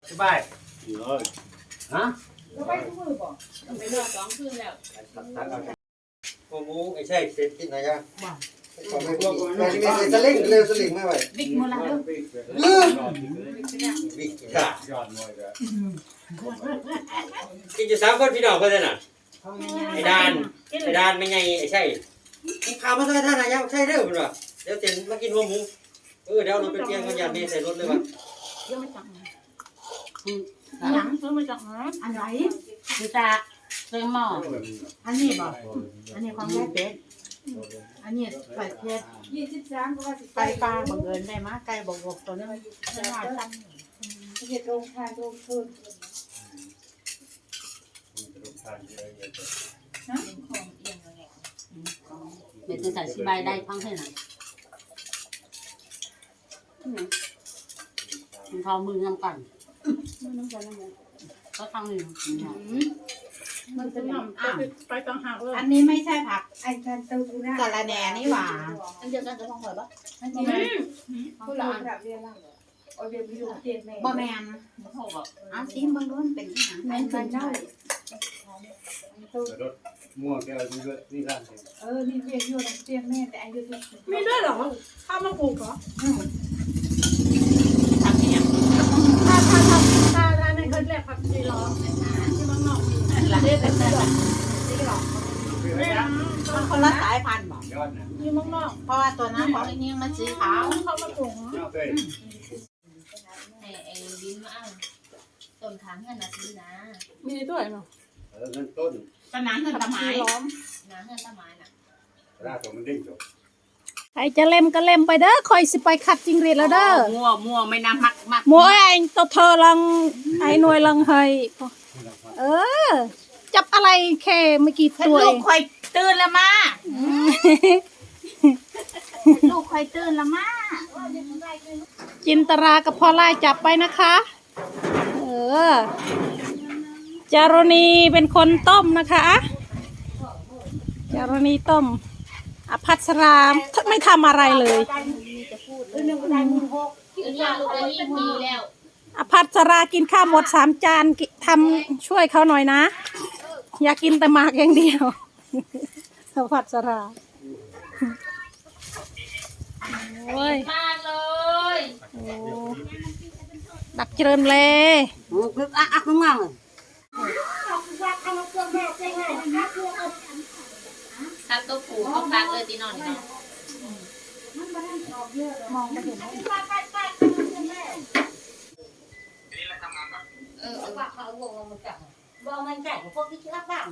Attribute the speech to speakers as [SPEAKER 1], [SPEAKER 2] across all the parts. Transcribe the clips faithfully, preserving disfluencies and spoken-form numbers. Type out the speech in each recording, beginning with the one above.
[SPEAKER 1] สบายฮะ
[SPEAKER 2] เราไปทุกมือบอก
[SPEAKER 3] ไปรอสองคืนแล้ว
[SPEAKER 1] โอ้โหไอ้ใช่เสร็จที่ไหนยัง
[SPEAKER 2] ว่า
[SPEAKER 1] ขอไปพวกไปที่มีสลิงเร็วสลิงไม่ไหว
[SPEAKER 2] บิ๊กมูลาเด้อ
[SPEAKER 1] ลืมวิกจ้าย
[SPEAKER 4] อดมวยเลย
[SPEAKER 1] กินอยู่สามคนพี่น้องเพื่อนน่ะไอ้ดานไอ้ดานไม่ไงไอ้ใช่ข่าวมาสักท่านนะยังใช่เร็วคุณวะเดี๋ยวเต็นมากินหัวหมูเออเดี๋ยวเราไปเตรียมกันยามนี้ใส่รถเลยวะ
[SPEAKER 2] ยังไม่จังหนังซื้อมาจากไหนอันไหนดูตาเต็มหม้ออันนี้บอกอันนี้ของแม่เป็ดอันนี้ไก่เป็ดยี่สิบสามก็ว่าไก่ปลาบังเอิญได้มาไก่บกบกตัวนี้มันจะหาจังเห็ดโรงทานโรงทุนเบ็ดจะใส่สบายได้ฟังให้หน่อยมันเขามือน้ำกันก็ทางหนึ่งมันจะนำอ่ะ
[SPEAKER 3] ไปต่างหากเลย
[SPEAKER 2] อันนี้ไม่ใช่ผัก
[SPEAKER 5] ไอ้การตูนะ
[SPEAKER 2] กะละแหน่นี่หว่าอันเดียวกันจะลองหอยปะอันนี้
[SPEAKER 5] ผู้หลานแบบเรียนล่างเหรอโอ้ยเดี๋ยวไปดูเตียนแม่
[SPEAKER 2] บ่แมนเอาซีมบางรุ่นเป็นที่หนัง
[SPEAKER 5] แม่เป็นเจ้าตู
[SPEAKER 4] รถม่วงแกนี่ก็นี่ร้าน
[SPEAKER 5] เออนี่เรียนอยู่เตียนแม่แต่อายุที่
[SPEAKER 3] มีด้วยเหรอข้าวมะกรูดเหรอ
[SPEAKER 2] ทำเนี่ย
[SPEAKER 3] ถ้าถ้าถ้าถ้าถ้าในเคยเรียกผักชีล้อที่บางนอกมี
[SPEAKER 2] ละเด็ดแต่
[SPEAKER 3] ไม่นะ
[SPEAKER 2] มันคนละสายพันธุ์บอก
[SPEAKER 4] ยอดนะ
[SPEAKER 3] ที่บางนอก
[SPEAKER 2] เพราะว่าตัวนั้นของนี่มันสีขาว
[SPEAKER 3] ข้าวมะกรูด
[SPEAKER 4] ยอดเลย
[SPEAKER 6] ไอ้ไอ้ลิ้นมาอ้างต้นทางเงินนาทีนะ
[SPEAKER 3] มีด้วยเนาะ
[SPEAKER 4] เออเงินต้น
[SPEAKER 2] ตอนนั้นคือตะไม้
[SPEAKER 3] ล้อม
[SPEAKER 6] นาเงินต้นไม้น่ะ
[SPEAKER 4] ราตัวมันดิ้งจบ
[SPEAKER 3] ใครจะเล่มก็เล่มไปเด้อคอยสิไปขัดจิงหรีดแล้วเด้อ
[SPEAKER 2] มั่วมั่วไม่น่ามักมัก
[SPEAKER 3] หมัวไอ้ตัวเธอลังไอ้หน่วยลังเฮยเออ จับอะไรแค่ไม่กี่ตัว
[SPEAKER 2] ลู
[SPEAKER 3] เอก ง
[SPEAKER 2] คอยตื่นละมาลูกคอยตื่นละมา
[SPEAKER 3] จินตรากับพอไล่จับไปนะคะ เออ จารณีเป็นคนต้มนะคะจารณีต้มอภัสราไม่ทำอะไรเลย
[SPEAKER 6] เดี๋ยวนี้ลูกได้ยี่ปีแล้ว
[SPEAKER 3] อภัสรากินข้าวหมดสามจานกิทำช่วยเขาหน่อยนะ อยากกินแต่หมากอย่างเดียวอภัสราโอ้ย
[SPEAKER 6] มากเลย
[SPEAKER 3] โอ้ดักเจริญเลย
[SPEAKER 2] คืออ่ะอ่ะมึงมั่ง
[SPEAKER 6] ทับตัวผูเขาปักเลยตีนอนนี่เนาะ
[SPEAKER 2] มองไม่เห็น
[SPEAKER 6] เออ
[SPEAKER 2] ว่าเขาวงมันจับว่ามันแก่พวกที่รักบ้าง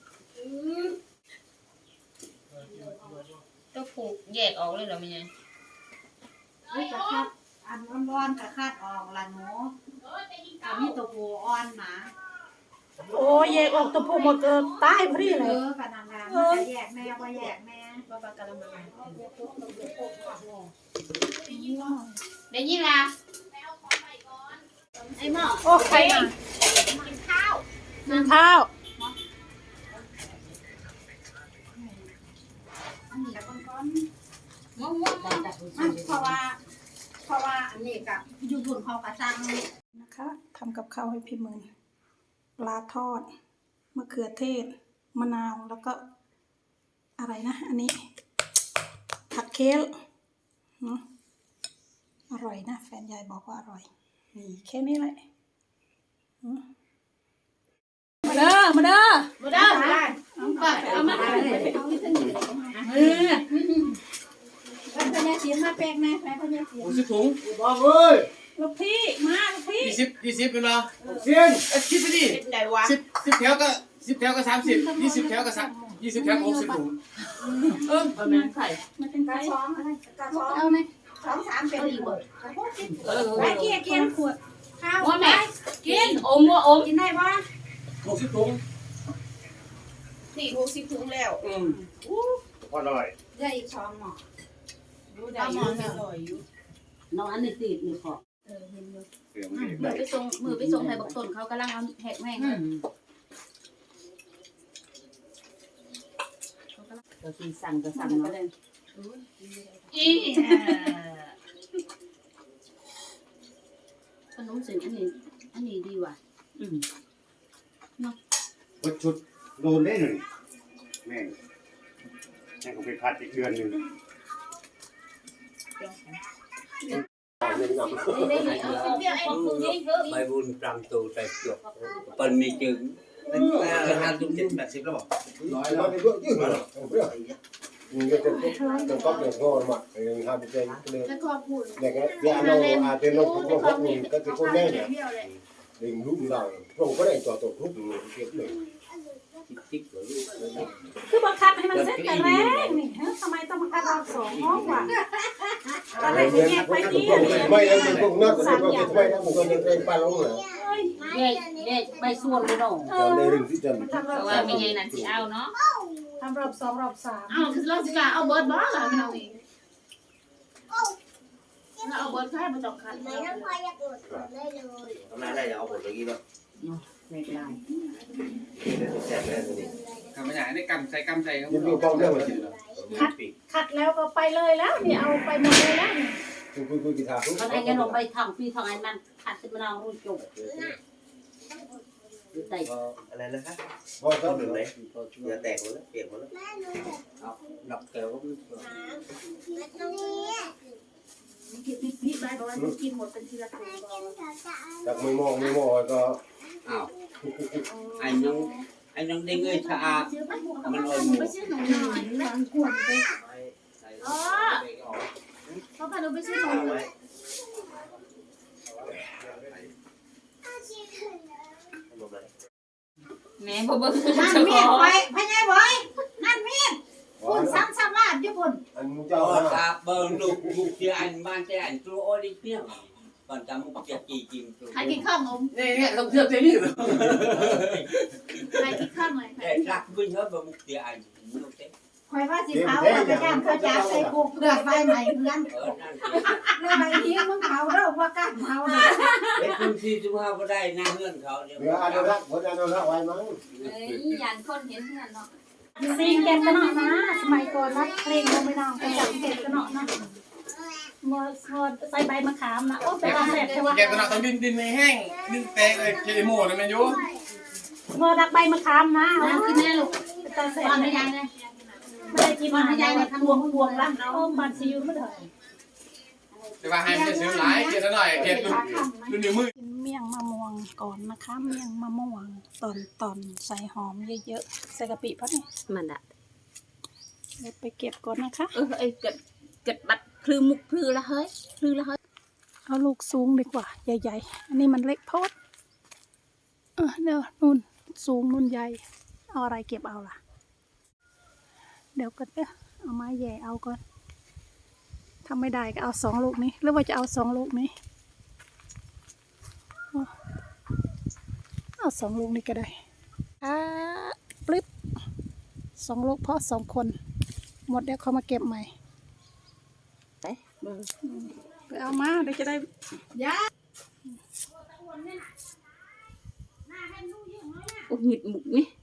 [SPEAKER 6] ตัวผูแยกออกเลยเหรอไม่ไง
[SPEAKER 2] นี่จะคาดอันร้อนๆกับคาดออกละหนูอันนี้ตัวผูอ่อนหมา
[SPEAKER 3] โอ้ยแยกออกตัวผู้หมดเออตายพอดี
[SPEAKER 2] เอ
[SPEAKER 3] เลย
[SPEAKER 2] อกันนานๆมันจะแยกแม่ว่าแยกแม่
[SPEAKER 6] บ้าบ้ากะละมังได้ยินละไอ้หม้อ
[SPEAKER 3] โอ้ใครอ่ะ
[SPEAKER 6] กินข้าว
[SPEAKER 3] กินข้าว
[SPEAKER 2] อันนี้แล้วก้อน
[SPEAKER 6] มะม่วง
[SPEAKER 2] ๆมันเพราะว่า เพราะว่าอันนี้กับอยู่บนเขากระซัง
[SPEAKER 3] นะคะทำกับข้าวให้พี่มืนปลาทอดมะเขือเทศมะนาวแล้วก็อะไรนะอันนี้ผัดเคลอืมอร่อยนะแฟนยายบอกว่าอร่อยนี่แค่นี้แหละอืมมาเด้อมาเด้อ
[SPEAKER 6] มาได้เอามา
[SPEAKER 2] เออแล้วพญาเสียนมาแปลกนะแม่พญาเสียน
[SPEAKER 4] โอ้สิถุงบ้าเอ้ย
[SPEAKER 3] ลูกพี่มาลูกพี่
[SPEAKER 4] ยี่สิบยี่สิบเป็นเหรอเซียนเอ็ดคิดไปดิ
[SPEAKER 2] เป็นไงวะ
[SPEAKER 4] สิบสิบแถวก็สิบแถวก็สามสิบยี่สิบแถวก็สักยี่สิบแถวก็หกสิบถุงเออ
[SPEAKER 2] ประมาณไข่
[SPEAKER 3] มาเป็น
[SPEAKER 5] ก
[SPEAKER 3] ไง
[SPEAKER 5] ระช้องอะไรกระช้อง
[SPEAKER 3] เอาไหม
[SPEAKER 5] สองสามเป็นอีกบ่
[SPEAKER 4] เออ
[SPEAKER 5] ไปเกี่ยเกี่ยขวดข้าว
[SPEAKER 6] ว่าแม่กินอมว่าอม
[SPEAKER 5] กินได้ปะ
[SPEAKER 4] หกสิบถุง
[SPEAKER 5] สี่หกสิบถุงแล้ว
[SPEAKER 4] อืมพอหน่อย
[SPEAKER 5] ได้อีกช้อนหม้อ
[SPEAKER 2] รู้ได้อยู่อร่อยอยู่น้องอันนี้ติดนี่ขอ
[SPEAKER 4] เสือมันเด็ก
[SPEAKER 6] มือไปส่งมือไปส่งให้บักต้นเขากำลังเอาแหกแม่ง
[SPEAKER 2] ก็คือสั่งก็สั่งเนาะ
[SPEAKER 6] อีขนมเส้นอันนี้
[SPEAKER 2] อันนี้ดีว่ะอืม
[SPEAKER 7] วัดชุดโดนได้หนึ่งแม่งแม่งก็เป็นพัดอีกเดือนหนึ่ง
[SPEAKER 1] ใบบุญปรำตูใส่จบเปิ้นมีจึง
[SPEAKER 4] ราคาตุ้มเจ็ดแปดสิบแล้วบอก
[SPEAKER 7] น้อยแล้วไม่เพื่อยืดมาหรอกเพื่อมึงจะเป็นจะก๊อปอย่างงอมาเองทำเป็นเลย
[SPEAKER 5] แล้วก็พูด
[SPEAKER 7] อย่างเงี้ยยาโนอาเจโนทุกคนพวกมึงก็จะคนแน่เนี่ยดึงลูกเราพวกก็ได้ต่อตัวทุกเลยเก็บเลย
[SPEAKER 1] จิ๊กๆเลย
[SPEAKER 3] คือบังคับให้มันเสร็จแต่แรกนี่ฮะทำไมต้องบังคับรอบสองห้องวะตอนแรกจะแยกไปที่
[SPEAKER 7] ไม่แล้วพวกนักก็จะไม่ไม่แล้วมึงก็ยังเป็นปลาลงเหรอ
[SPEAKER 2] เด็กเด็กใบส่วนเลยเนาะ
[SPEAKER 7] เราในเรื่องที่จะ
[SPEAKER 3] ทำรอบ
[SPEAKER 6] ว่ามีไงนั่นสิเอาเนาะ
[SPEAKER 3] ทำรอบสองรอบสาม
[SPEAKER 5] เอาคือเราสิกาเอาเบิร์ดบ้าเหรอพี่น้องเองเราเอาเบิร์ดแค่มาจอกคัน
[SPEAKER 8] ไม่ต้องพออยากอดได้เลย
[SPEAKER 4] ทำไมได้เอาหมดอย่างนี้เนาะ
[SPEAKER 2] เด็กลาย
[SPEAKER 4] แซ่บเลยนี่ทำไม่ได้ได้กำใส่กำใส่ครับ
[SPEAKER 7] ยังมีป้องเรื่องอะไร
[SPEAKER 3] ขัดแล้วก็ไปเลยแล้วนี่เอาไปหมดเลยแล้วนี่
[SPEAKER 7] คุยคุยคุยกีฬาคุย
[SPEAKER 2] เขาไอ้ยันออกไปทางพี่ทางไอ้มันขัดสิมันเอารุ่นจุกแต่
[SPEAKER 4] อะไรนะคะ
[SPEAKER 7] พอ
[SPEAKER 4] ต้
[SPEAKER 7] ต้
[SPEAKER 4] น
[SPEAKER 7] น
[SPEAKER 4] หนึ่ง
[SPEAKER 7] เล
[SPEAKER 4] เลย ยเดี๋ยวแตกหมดแล้วเปียกหมดแล้ว
[SPEAKER 8] แม่หนู
[SPEAKER 1] ดอกแก้วก็
[SPEAKER 8] แม่ตรงนี้
[SPEAKER 5] กินพี่พี่ใบบอกว่าต้องกินหมดเป็นทีละตัว
[SPEAKER 8] แม่กินสาวสาว
[SPEAKER 7] จากไม่มองไม่มองก็
[SPEAKER 1] อ้าวไอ้น้องไอ้น้องเด้งเอ้ยชะอา
[SPEAKER 5] ซื้อไปหัวกับมันไปซื้อหนูหน่อยบางขวดไปอ๋อเพราะว่าเราไปซื้อหนู
[SPEAKER 6] แม่บ่เบิ่ง
[SPEAKER 2] นั่น
[SPEAKER 6] เจ้า
[SPEAKER 2] มี
[SPEAKER 6] ข
[SPEAKER 2] ด
[SPEAKER 6] อง
[SPEAKER 2] ไว้พญายไว้นั่นมีดคุณซ้ำซ้ำลาดญี่ปุ่น
[SPEAKER 7] อันมึงเจ้า
[SPEAKER 1] Ờ, ta bờ lục lục thì anh ban cho anh tôi ôi đi tiếp còn ta một cái kỳ chìm
[SPEAKER 5] ใครกินข้าวงม
[SPEAKER 4] นี่เนี่ยลงเทือกเจนี่เหรอ
[SPEAKER 5] ใครกินข้าวหน่อย
[SPEAKER 1] để rắc bên hết vào một thì anh nó sẽ
[SPEAKER 2] คอยว่าสิเผาเอาไปย่างข้าวจ้าใส่กุกเลือดไฟใหม่เพื่อน
[SPEAKER 1] ởนั่น
[SPEAKER 2] เลือดใบนี้มึงเผาแล้วว่าก้าเผาเลย
[SPEAKER 1] ไอ้คุณที่ทุกเขาก็ได้หน้าเฮือนเขาเดี๋ยว
[SPEAKER 7] เดี๋ยวอนุรักษ์คนอนุรักษ์ไว้มั้ง
[SPEAKER 6] เอ้ยยันคนเห็นเพื่อนเนาะ
[SPEAKER 3] ซีงเก็บกันเนาะนะสมัยก่อนรัดเพลงก็ไม่นองไปจับเก็บกันเนาะนะงอสอใส่ใบมะขามนะโอ้เป็นอาแสบใช่ไหม
[SPEAKER 4] แกตอนนั้นต้องดินดินไม่แห้งดินแตกเลยเคโมนะแม่ยู
[SPEAKER 3] งอดักใบมะขามนะ
[SPEAKER 2] น้ำกินแน่ลูก
[SPEAKER 3] ตาแสบ
[SPEAKER 2] ตอนไม่ยังเลย
[SPEAKER 3] ไม่ได้กินมาให้ยายทำวงวงละโอ้บันซิวไม่ได้
[SPEAKER 4] แต่ว่าให้มันซื้อหลายเกลียดหน่อยเกลียดรุ่นรุ่นนิ้วมือ
[SPEAKER 3] กินเมี่ยงมะม่วงก่อนนะคะเมี่ยงมะม่วงตอนตอนใส่หอมเยอะๆใส่กะปิเพราะนี่
[SPEAKER 6] มันอ่ะ
[SPEAKER 3] เดี๋ยวไปเก็บก่อนนะคะ
[SPEAKER 6] เออไอ้เกิดเกิดบัดพลือมุกพลือละเฮ้ยพลือละเฮ้ย
[SPEAKER 3] เอาลูกสูงดีกว่าใหญ่ๆอันนี้มันเล็กโพดเออเดี๋ยวนุ่นสูงนุ่นใหญ่เอาอะไรเก็บเอาล่ะ เดี๋ยวก็เด้อเอาไม้แย่เอาก่อนทำไม่ได้ก็เอาสองลูกนี้หรือว่าจะเอาสองลูกนี้เอาเอาสองลูกนี้ก็ได้อ่าปลิบสองลูกเพราะสองคนหมดเดี๋ยวเขามาเก็บใหม่ไปเอามาเดี๋ยวจะได้
[SPEAKER 6] โอ้หงิดมุกนี่